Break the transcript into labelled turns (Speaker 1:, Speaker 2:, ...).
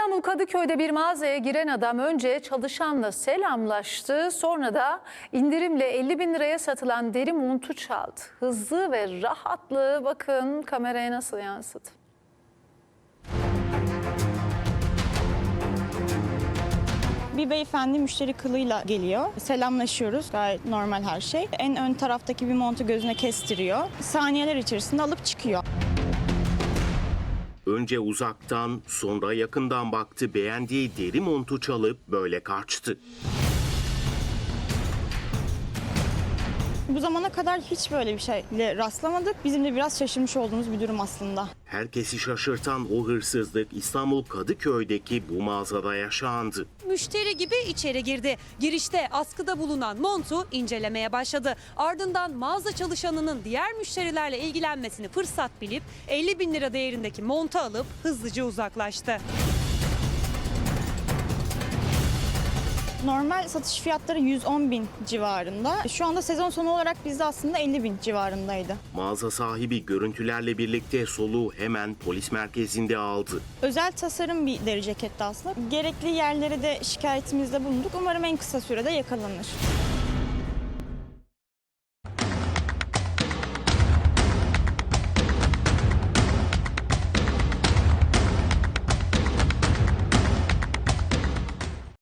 Speaker 1: İstanbul Kadıköy'de bir mağazaya giren adam önce çalışanla selamlaştı, sonra da indirimle 50 bin liraya satılan deri montu çaldı. Hızlı ve rahatlığı bakın kameraya nasıl yansıdı.
Speaker 2: Bir beyefendi müşteri kılığıyla geliyor. Selamlaşıyoruz. Gayet normal her şey. En ön taraftaki bir montu gözüne kestiriyor. Saniyeler içerisinde alıp çıkıyor.
Speaker 3: Önce uzaktan, sonra yakından baktı, beğendiği deri montu çalıp böyle kaçtı.
Speaker 2: Bu zamana kadar hiç böyle bir şeyle rastlamadık. Bizim de biraz şaşırmış olduğumuz bir durum aslında.
Speaker 3: Herkesi şaşırtan o hırsızlık İstanbul Kadıköy'deki bu mağazada yaşandı.
Speaker 4: Müşteri gibi içeri girdi. Girişte askıda bulunan montu incelemeye başladı. Ardından mağaza çalışanının diğer müşterilerle ilgilenmesini fırsat bilip 50 bin lira değerindeki montu alıp hızlıca uzaklaştı.
Speaker 2: Normal satış fiyatları 110 bin civarında. Şu anda sezon sonu olarak bizde aslında 50 bin civarındaydı.
Speaker 3: Mağaza sahibi görüntülerle birlikte soluğu hemen polis merkezinde aldı.
Speaker 2: Özel tasarım bir deri ceketti aslında. Gerekli yerlere de şikayetimizde bulunduk. Umarım en kısa sürede yakalanır.